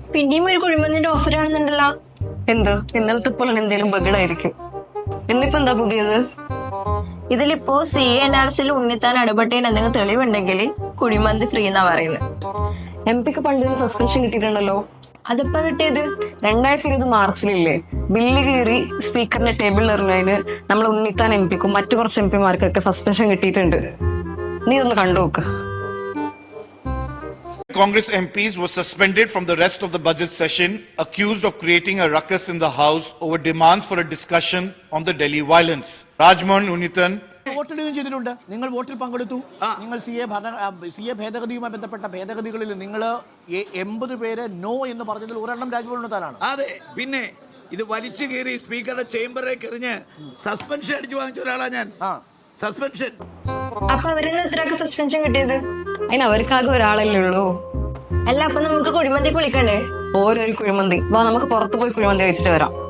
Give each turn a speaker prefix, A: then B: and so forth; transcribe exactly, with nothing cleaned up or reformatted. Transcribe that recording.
A: പിന്നെയും ഒരു കുഴിമന്തിന്റെ ഓഫർ ആണെന്നുണ്ടല്ലോ.
B: എന്ത് ഇന്നലത്തെ പോലെ എന്തെങ്കിലും ബഗഡായിരിക്കും. എന്നിപ്പോ എന്താ പുതിയത്?
A: ഇതിലിപ്പോ സി എ എൻആർസിൽ ഉണ്ണിത്താൻ ഇടപെട്ടതിന് എന്തെങ്കിലും തെളിവുണ്ടെങ്കിൽ കുഴിമന്തി ഫ്രീ എന്നാ പറയുന്നത്.
B: എം പിക്ക് പണ്ട് സസ്പെൻഷൻ കിട്ടിയിട്ടുണ്ടല്ലോ.
A: അതിപ്പോ കിട്ടിയത്
B: രണ്ടായിരത്തി ഇരുപത് മാർച്ചിലില്ലേ, ബില്ല് കീറി സ്പീക്കറിന്റെ ടേബിളിൽ എറിഞ്ഞതിന് നമ്മൾ ഉണ്ണിത്താൻ എം പിക്കും മറ്റു കുറച്ച് എം പിമാർക്കൊക്കെ സസ്പെൻഷൻ കിട്ടിയിട്ടുണ്ട്. നീ ഒന്ന് കണ്ടു നോക്ക്.
C: Congress M Ps were suspended from the rest of the budget session, accused of creating a ruckus in the House over demands for a discussion on the Delhi violence. Rajmohan Unithan.
D: വോട്ടിടുകയും ചെയ്തിട്ടുണ്ട്. നിങ്ങൾ വോട്ടിൽ പങ്കെടുത്തു. നിങ്ങൾ C A C A ഭേദഗതിയുമായി ബന്ധപ്പെട്ട ഭേദഗതികളിൽ നിങ്ങൾ എൺപത് പേര് നോ എന്ന് പറഞ്ഞതിൽ ഒരെണ്ണം രാജ്ഭവൻ ഉണ്ണിത്താനാണ്.
E: അതെ, പിന്നെ ഇത് വലിച്ചു കയറി സ്പീക്കറുടെ ചേംബറിലേക്ക് എറിഞ്ഞ് സസ്പെൻഷൻ അടിച്ചു വാങ്ങിച്ച ഒരാളാ ഞാൻ. സസ്പെൻഷൻ.
A: അപ്പൊ അവരിന്ന് എത്രയൊക്കെ സസ്പെൻഷൻ കിട്ടിയത്?
B: അതിന് അവർക്കാകെ ഒരാളല്ലേ ഉള്ളൂ.
A: അല്ല, അപ്പൊ നമുക്ക് കുഴിമന്തി കുളിക്കണ്ടേ?
B: ഓരോരു കുഴിമന്തി. വാ, നമുക്ക് പുറത്ത് പോയി കുഴിമന്തി കഴിച്ചിട്ട് വരാം.